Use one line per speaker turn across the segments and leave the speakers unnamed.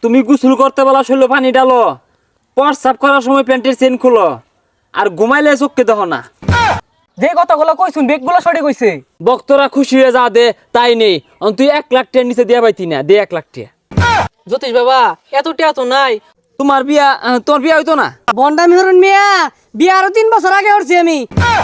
তুমি গোসল করতে বলা শৈল পানি ডালো, প্রস্রাব করার সময় প্যান্টের চেন খুলো, আর ঘুমাইলে চোখকে দেখো না।
যে কথাগুলো কইছুন বেগগুলো সঠিক কইছে।
বক্তরা খুশি হয়ে যা দে তাই নেই, তুই 1 লাখ টাকার নিচে দিয়া পাইতি না, দে 1 লাখ টাকা।
জ্যোতিষ বাবা এত টিয়া তো নাই।
তোমার বিয়া হইতো না?
বন্ডামি হরুন মিয়া, বিয়া আরো 3 বছর আগে হরছি আমি।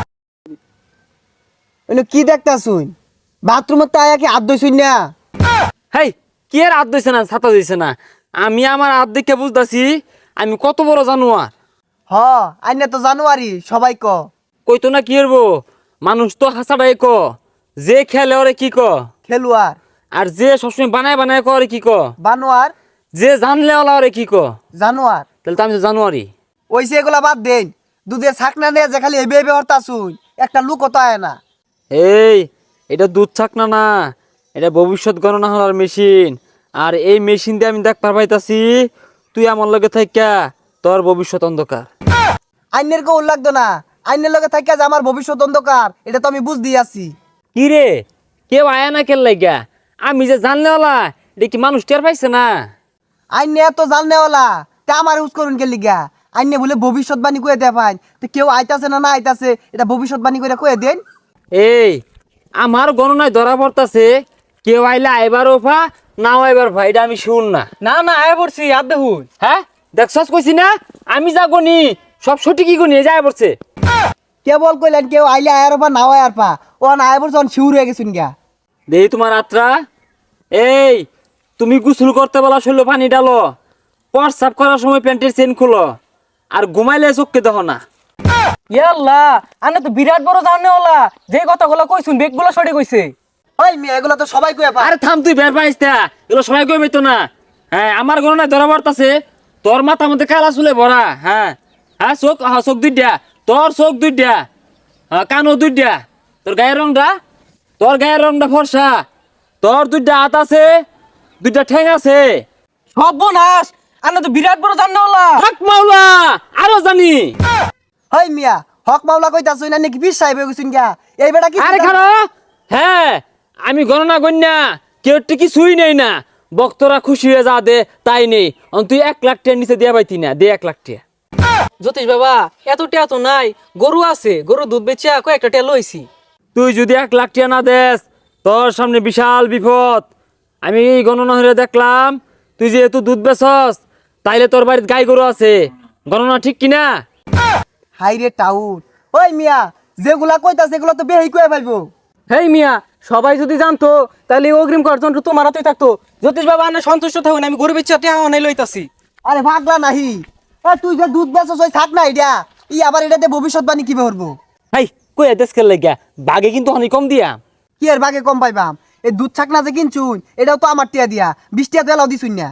কি দেখতাছুন? বাথরুমের তাই কি হাত ধুইছুন না?
হেই, কি আর হাত দিছে না, ছাতা দিছে না? আমি আমার হাত দেখে বুঝতাছি আমি কত বড় জানোয়ার।
হ, আইনে তো জানুয়ারি সবাই ক।
কইতো না কি হইব, মানুষ তো হাসাটাই ক, যে খেলে ওরে কি ক,
খেলুয়ার,
আর যে সবসময় বানায় বানায় করে কি ক,
বানোয়ার,
যে জানলে ওলা ওরে কি ক।
জানোয়ার।
তাহলে তো আমি তো জানুয়ারি।
ওইসে এগুলা বাদ দেন, দুধে ছাকনা নিয়ে যে খালি এবে এবে হরতাছুন, একটা লুক তো আয় না।
এই, এটা দুধ ছাকনা না, এটা ভবিষ্যৎ গণনা হওয়ার মেশিন। আর এই মেশিন দিয়ে আমি দেখতে পাইতাছি তুই আমার লগে থাইকা তোর ভবিষ্যৎ অন্ধকার।
আইনের কেউ লাগতো না, আইনের লগে থাকিয়া যে আমার ভবিষ্যৎ অন্ধকার, এটা তো আমি বুঝ দিয়ে আছি।
কি রে, কেউ আয়া না কেন লাগিয়া? আমি যে জানলে ওলা এটা কি মানুষ টের পাইছে না?
আইনে এত জাননেওয়ালা, তা আমার ইউজ করুন কে লিগা? আইনে বলে ভবিষ্যৎবাণী কয়ে দেয় পাইন, তো কেউ আইতাছে না না আইতাছে, এটা ভবিষ্যৎবাণী করে কয়ে দেন।
এই, আমার গণনায় ধরা পড়তাছে কেউ আইলে আইবার ওফা, নাও আইবার ভাই, এটা আমি শুন না।
না না আয় পড়ছি, আর দেখুন।
হ্যাঁ, দেখছস কইছি না, আমি যা গনি সব সঠিকই গনি, যায় পড়ছে।
কেবল কইলেন কেউ আইলে আয়ার পা নাও আয়ার পা, ও না আয় পড়ছে শিউর হয়ে গেছুন গা।
দেই তোমার আত্রা। এই, তুমি গোসল করতে বলা শৈল পানি ডালো, প্রস্রাব করার সময় প্যান্টের চেন খুলো, আর ঘুমাইলে চোখকে দেখো না।
ইয়াল্লাহ, আনে তো বিরাট বড় জানে ওলা, যে কথাগুলো কইছুন বেগগুলো সঠিক কইছে।
ওই মেয়ে এগুলো তো সবাই কয়ে পা।
আরে থাম, তুই বের পাইস না, এগুলো সবাই কই পেতো না। হ্যাঁ, আমার গণনায় ধরা পড়তাছে তোর মাথা মধ্যে কালা চুলে ভরা। হ্যাঁ হ্যাঁ, চোখ, হ্যাঁ চোখ দুইটা, তোর চোখ দুইটা, হ্যাঁ কানও দুইটা, তোর গায়ের রংটা ফর্সা, তোর 2টা হাত আছে, 2টা ঠ্যাং আছে।
সর্বনাশ, আনে তো বিরাট বড় জানে ওলা।
হক মাওলা, আরো জানি।
ওই মিয়া হক মাওলা কইতাছুন না নাকি পীর সাহেব হয়ে গেছুন গা? এই বেটা কি
আরে খারো, হ্যাঁ আমি গণনা গণ্যা, কেউ কিছুই নেই না, বক্তরা খুশি হয়ে যা দে তাই নেই, তুই 1 লাখ টাকার নিচে দিয়া পাইতি না, দে 1 লাখ টাকা।
জ্যোতিষ বাবা এত টিয়া তো নাই, গরু আছে, গরু দুধ বেচা কয়েকটা টিয়া লইছি।
তুই যদি 1 লাখ টাকা না দেস, তোর সামনে বিশাল বিপদ। আমি গণনা হয়ে দেখলাম তুই যেহেতু দুধ বেচস, তাইলে তোর বাড়িতে গাই গরু আছে, গণনা ঠিক কিনা?
হাই রে টাউন। ওই মিয়া যেগুলা কইতাছে এগুলো তো বেহি কয়ে পাইবো।
হেই মিয়া, সবাই যদি জানতো তাহলে এই অগ্রিম কার্যন্ত তোমার হাতেই থাকতো। জ্যোতিষ বাবা আনে সন্তুষ্ট থাকুন, আমি গরু বেচা টিয়া অনাই লইতাছি।
আরে ভাগলা নাহি, তুই যে দুধ বেচছ ওই থাক না এটা, আবার এটাতে ভবিষ্যৎবাণী কি করবো?
হাই, কই দেশ খেল লাগিয়া, বাঘে কিন্তু অনেক কম দিয়া।
কি এর ভাগে কম পাইবাম? এই দুধ ছাক না যে কিনছুন এটাও তো আমার টিয়া দিয়া, 20 টিয়া তো এলাও দিছুন না।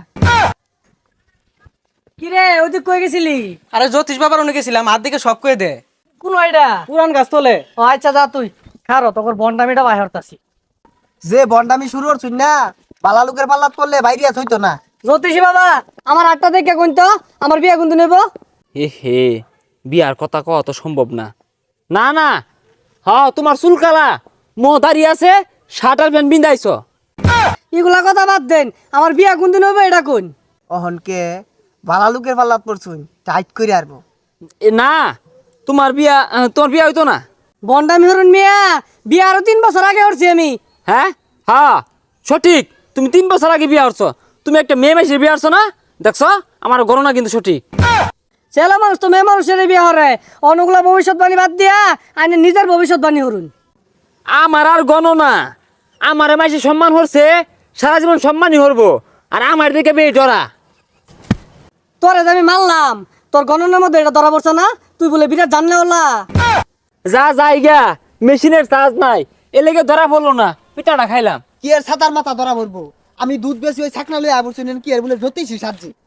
কি রে, ওই তুই কই গেছিলি? আরে জ্যোতিষ বাবার অনেক গেছিলাম, হাত দিকে সব কয়ে দে। কোন আইডা? পুরান গাছ তোলে। ও আচ্ছা যা তুই খারো, তোর বন্ডামিটা বাহির হতাছি।
যে বন্ডামি শুরু করছুন না, বালা লোকের পাল্লাত করলে বাইরিয়া হইতো না।
জ্যোতিষী বাবা আমার 8টা দেখে কোনতো আমার বিয়া কোনতো নেব?
হে, বিয়ার কথা কওয়া তো সম্ভব না। না না, হ্যাঁ তোমার চুল কালা, মো দাঁড়িয়ে আছে, শার্ট আর প্যান্ট বিন্দাইছ।
এগুলা কথা বাদ দেন, আমার বিয়া কোনতো নেব এটা কোন?
অহনকে বালা লোকের পাল্লাত পড়ছুন, টাইট করে আরবো।
না, তোমার বিয়া হইতো না।
বন্ডামি হরুন মিয়া, বিয়া আরো 3 বছর আগে হরছি আমি।
হ্যাঁ হ্যাঁ সঠিক, তুমি 3 বছর আগে বিয়া হচ্ছ। তুমি একটা মেয়ে মাসে বিয়া হচ্ছ না, দেখছ? আমার গণনা কিন্তু সঠিক।
ছেলে মানুষ তো মেয়ে মানুষের বিয়া হরে, অনুগুলা ভবিষ্যৎবাণী বাদ দিয়া আইনে নিজের ভবিষ্যৎবাণী হরুন।
আমার আর গণনা, আমার মাসে সম্মান হচ্ছে, সারা জীবন সম্মানই হরবো, আর আমার দিকে বেয়ে ডরা।
তোরে যে আমি মারলাম, তোর গণনার মধ্যে এটা ধরা পড়ছে না? তুই বলে বিরাট জানলে ওলা।
যা যাইগা, মেশিনের চার্জ নাই, এলেগে ধরা পড়লো না, পিঠাটা খাইলাম।
কি এর ছাতার মাথা ধরা পড়বো? আমি দুধ বেশি ওই ছাকনা লই আবরছুন, কি এর বলে জ্যোতিষী সাজি।